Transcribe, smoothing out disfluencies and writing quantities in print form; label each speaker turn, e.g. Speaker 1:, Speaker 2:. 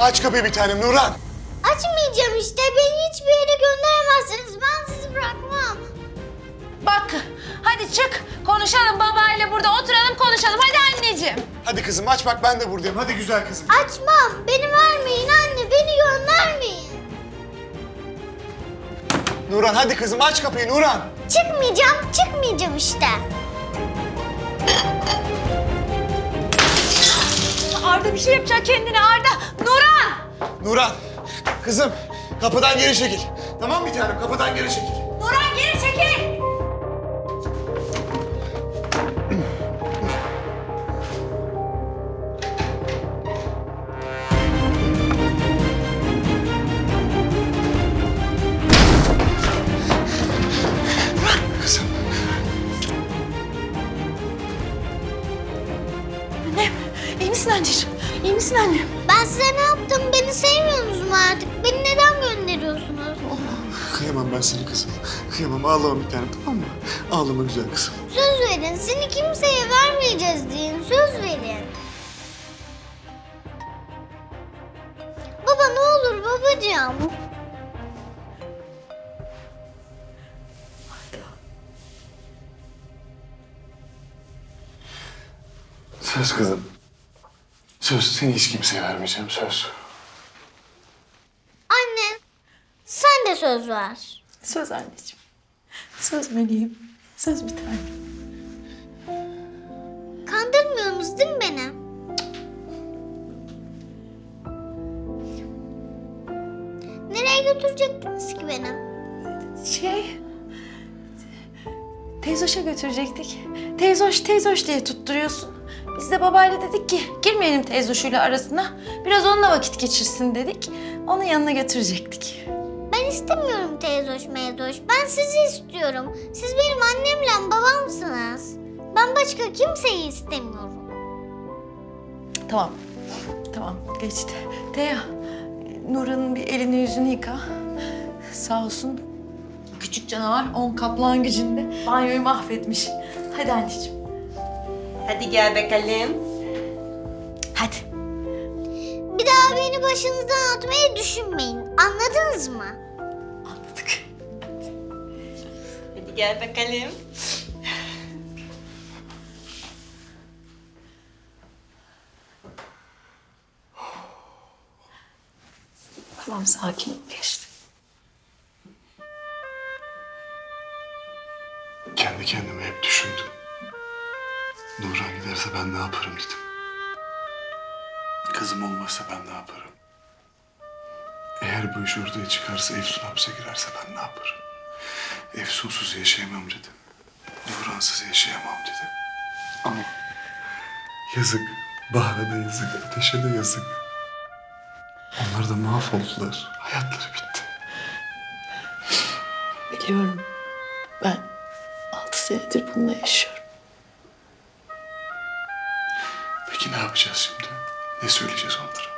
Speaker 1: Aç kapıyı bir tanem Nurhan.
Speaker 2: Açmayacağım işte. Beni hiçbir yere gönderemezsiniz. Ben sizi bırakmam.
Speaker 3: Bak hadi çık konuşalım babayla burada oturalım konuşalım hadi anneciğim.
Speaker 1: Hadi kızım aç bak ben de buradayım. Hadi güzel kızım.
Speaker 2: Açmam. Beni vermeyin anne. Beni göndermeyin.
Speaker 1: Nurhan hadi kızım aç kapıyı Nurhan.
Speaker 2: Çıkmayacağım işte.
Speaker 3: Arda bir şey yapacak kendine Arda. Nurhan!
Speaker 1: Nurhan kızım kapıdan geri çekil. Tamam mı bir tanem kapıdan geri çekil.
Speaker 3: Nurhan geri çekil!
Speaker 1: Kızım.
Speaker 3: Annem iyi misin anneciğim? İyi misin annem?
Speaker 2: Ben size ne yaptım? Beni sevmiyorsunuz mu artık? Beni neden gönderiyorsunuz?
Speaker 1: Kıyamam ben seni kızım. Kıyamam ağlama bir tanem tamam mı? Ağlama güzel kızım.
Speaker 2: Söz verin. Seni kimseye vermeyeceğiz deyin. Söz verin. Baba ne olur babacığım.
Speaker 1: Söz kızım. Söz seni hiç kimseye vermeyeceğim söz.
Speaker 2: Anne sen de söz ver.
Speaker 3: Söz anneciğim. Söz meleğim. Söz bir tane.
Speaker 2: Kandırmıyorsunuz değil mi beni? Nereye götürecektiniz ki beni?
Speaker 3: Teyzoş'a götürecektik. Teyzoş diye tutturuyorsun. Biz de babayla dedik ki girmeyelim teyzoşuyla arasına. Biraz onunla vakit geçirsin dedik. Onun yanına götürecektik.
Speaker 2: Ben istemiyorum teyzoş meyzoş. Ben sizi istiyorum. Siz benim annemle babamsınız. Ben başka kimseyi istemiyorum.
Speaker 3: Tamam geçti. Teya, Nurhan'ın bir elini yüzünü yıka. Sağ olsun küçük canavar 10 kaplan gücünde banyoyu mahvetmiş. Hadi anneciğim.
Speaker 4: Hadi gel bakalım.
Speaker 3: Hadi.
Speaker 2: Bir daha beni başınızdan atmayı düşünmeyin. Anladınız mı?
Speaker 3: Anladık.
Speaker 4: Hadi gel bakalım.
Speaker 3: Tamam sakin ol geçti.
Speaker 1: Kendi kendime hep düşündüm. Nurhan giderse ben ne yaparım dedim. Kızım olmazsa ben ne yaparım? Eğer bu iş ortaya çıkarsa Efsun hapse girerse ben ne yaparım? Efsunsuz yaşayamam dedim. Nurhansız yaşayamam dedim. Ama yazık. Bahar'a da yazık. Ateş'e de yazık. Onlar da mahvoldular. Hayatları bitti.
Speaker 3: Biliyorum. Ben 6 senedir bununla yaşıyorum.
Speaker 1: Peki ne yapacağız şimdi? Ne söyleyeceğiz onlara?